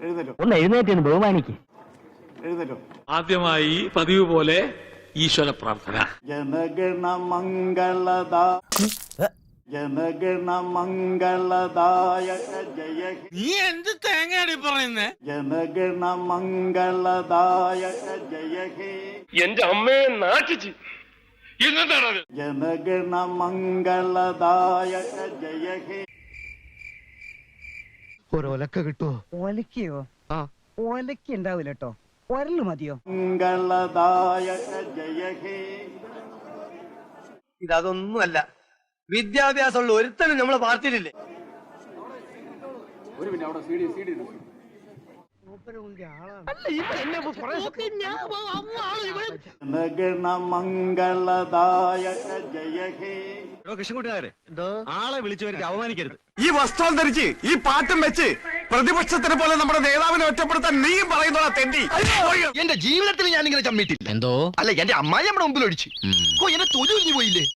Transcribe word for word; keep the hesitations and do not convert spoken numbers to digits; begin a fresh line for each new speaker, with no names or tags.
ഒന്ന് എഴുന്നേറ്റ് ബഹുമാനിക്ക്.
ആദ്യമായി പതിവ് പോലെ ഈശ്വര പ്രാർത്ഥന.
ജനഗണ മംഗളദാ ജനഗണ മംഗളദായക ജയ ഹേ.
നീ എന്ത് തേങ്ങയാടി പറയുന്നേ?
ജനഗണ മംഗളദായക ജയ ഹേ.
എന്റെ അമ്മയെ നാട്ടിച്ച് എന്താണ്
ജനഗണ മംഗളദായക ജയ ഹേ.
ഒരൊലക്ക കിട്ടുമോ?
ഒലക്കയോ? ആ ഒലക്ക ഉണ്ടാവില്ല കേട്ടോ, ഒരല് മതിയോ?
മംഗളദായക ജയ ഹേ.
ഇതൊന്നുമല്ല, വിദ്യാഭ്യാസമുള്ള ഒരുത്തനും നമ്മളെ പാർട്ടിയിലില്ലേ?
ജനഗണ മംഗളദായക ജയ ഹേ.
ആളെ വിളിച്ചവർക്ക് അവമാനിക്കരുത്.
ഈ വസ്ത്രം ധരിച്ച് ഈ പാട്ടും വെച്ച് പ്രതിപക്ഷത്തിനെ പോലെ നമ്മുടെ നേതാവിനെ ഒറ്റപ്പെടുത്താൻ നീയും പറയുന്നോളാ തെണ്ടി.
എന്റെ ജീവിതത്തിൽ ഞാൻ ഇങ്ങനെ ചമ്മിട്ടില്ല.
എന്തോ
അല്ല, എന്റെ അമ്മായി നമ്മുടെ മുമ്പിൽ ഒഴിച്ചു. എന്നെ തൊഴിൽ പോയില്ലേ?